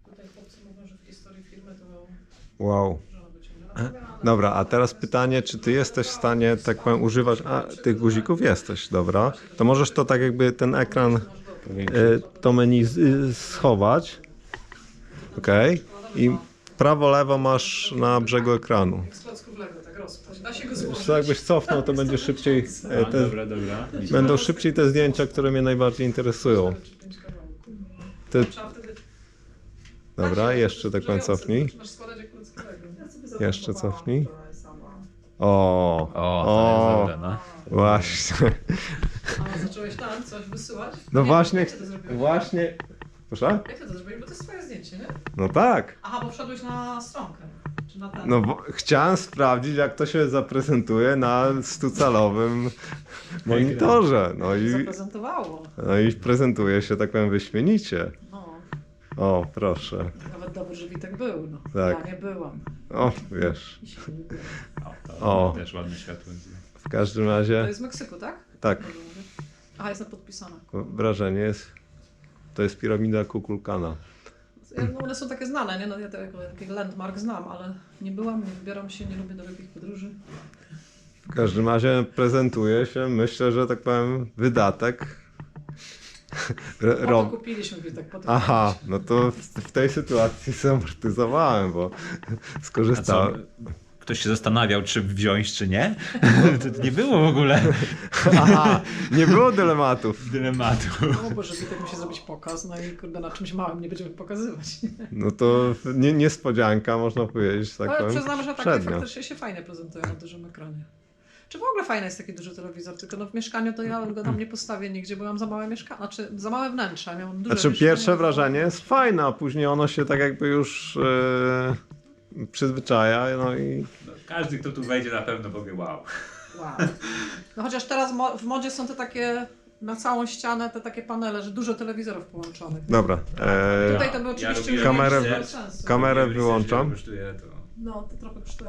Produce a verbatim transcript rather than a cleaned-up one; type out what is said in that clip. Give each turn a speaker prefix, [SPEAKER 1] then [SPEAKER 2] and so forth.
[SPEAKER 1] Tutaj chłopcy mówią, że w historii firmy to
[SPEAKER 2] Wow.
[SPEAKER 1] żona wyciągnęła.
[SPEAKER 2] Dobra, a teraz pytanie, czy ty jesteś w stanie, tak powiem, używać a, tych guzików? Jesteś, dobra. To możesz to tak jakby ten ekran, y, to menu z, y, schować. Ok. I prawo, lewo masz na brzegu ekranu.
[SPEAKER 1] Jak z klocków Lego, tak rozpaść. Da się go
[SPEAKER 2] Wiesz
[SPEAKER 1] złożyć.
[SPEAKER 2] co, jakbyś cofnął, to będzie szybciej, e,
[SPEAKER 3] A,
[SPEAKER 2] te,
[SPEAKER 3] dobra, dobra.
[SPEAKER 2] będą szybciej te zdjęcia, które mnie najbardziej interesują. Ty,
[SPEAKER 1] Trzeba wtedy...
[SPEAKER 2] dobra, jeszcze tak powiem cofnij.
[SPEAKER 1] Zaczynasz składać jak klocki Lego.
[SPEAKER 2] Jeszcze cofnij. O,
[SPEAKER 3] O, to
[SPEAKER 2] o,
[SPEAKER 3] jest dobre, no.
[SPEAKER 2] właśnie.
[SPEAKER 1] A zacząłeś tam coś wysyłać?
[SPEAKER 2] No
[SPEAKER 1] Nie,
[SPEAKER 2] właśnie,
[SPEAKER 1] Jak ty to zrobiłeś?
[SPEAKER 2] właśnie. Proszę?
[SPEAKER 1] Jak ty to zrobiłeś? Bo to jest twoje zdjęcie, nie?
[SPEAKER 2] No tak.
[SPEAKER 1] Aha, bo wszedłeś na stronkę. Czy na ten?
[SPEAKER 2] No bo chciałem sprawdzić, jak to się zaprezentuje na stucalowym monitorze. No i,
[SPEAKER 1] Zaprezentowało.
[SPEAKER 2] no i prezentuje się, tak powiem, wyśmienicie.
[SPEAKER 1] No,
[SPEAKER 2] O, proszę.
[SPEAKER 1] nawet dobry, że Witek był. No.
[SPEAKER 2] Tak.
[SPEAKER 1] Ja nie byłam.
[SPEAKER 2] O, wiesz.
[SPEAKER 1] I się nie byłam.
[SPEAKER 3] O, to
[SPEAKER 2] O.
[SPEAKER 3] też ładne światło.
[SPEAKER 2] W każdym
[SPEAKER 1] To
[SPEAKER 2] razie,
[SPEAKER 1] jest z Meksyku, tak?
[SPEAKER 2] tak,
[SPEAKER 1] Aha, jest podpisana.
[SPEAKER 2] wrażenie jest, to jest piramida Kukulkana.
[SPEAKER 1] No, one są takie znane, nie? No, ja tego taki landmark znam, ale nie byłam, nie wybieram się, nie lubię dalekich podróży.
[SPEAKER 2] W każdym razie prezentuje się, myślę, że tak powiem, wydatek. R-
[SPEAKER 1] Po to
[SPEAKER 2] Rob...
[SPEAKER 1] kupiliśmy Witek, po to
[SPEAKER 2] Aha,
[SPEAKER 1] kupiliśmy.
[SPEAKER 2] no to w, w tej sytuacji zamortyzowałem, bo
[SPEAKER 3] A co?
[SPEAKER 2] skorzystałem.
[SPEAKER 3] Ktoś się zastanawiał, czy wziąć, czy nie? To nie było w ogóle
[SPEAKER 2] Aha, nie było dylematów.
[SPEAKER 3] dylematu.
[SPEAKER 1] No Boże, Witek musi zrobić pokaz, no i kurde, na czymś małym nie będziemy pokazywać.
[SPEAKER 2] No to nie, niespodzianka, można powiedzieć, tak
[SPEAKER 1] Ale
[SPEAKER 2] powiem,
[SPEAKER 1] przyznam, że takie
[SPEAKER 2] przednio.
[SPEAKER 1] faktycznie się fajnie prezentują na dużym ekranie. Czy w ogóle fajny jest taki duży telewizor, tylko no w mieszkaniu to ja go tam nie postawię nigdzie, bo ja mam za małe mieszkanie, znaczy za małe wnętrze, ja miałam duże
[SPEAKER 2] Znaczy
[SPEAKER 1] mieszkanie.
[SPEAKER 2] pierwsze wrażenie jest fajne, a później ono się tak jakby już e, przyzwyczaja, no i
[SPEAKER 3] No, każdy, kto tu wejdzie, na pewno powie wow.
[SPEAKER 1] Wow. No chociaż teraz mo- w modzie są te takie na całą ścianę te takie panele, że dużo telewizorów połączonych.
[SPEAKER 2] dobra. E,
[SPEAKER 1] Tutaj to by oczywiście
[SPEAKER 3] robiłem
[SPEAKER 2] Kamerę-
[SPEAKER 1] już nie
[SPEAKER 3] research,
[SPEAKER 1] miało sensu.
[SPEAKER 2] kamerę
[SPEAKER 3] robiłem research,
[SPEAKER 2] wyłączam.
[SPEAKER 3] że kosztuje to.
[SPEAKER 1] No, to trochę kosztuje.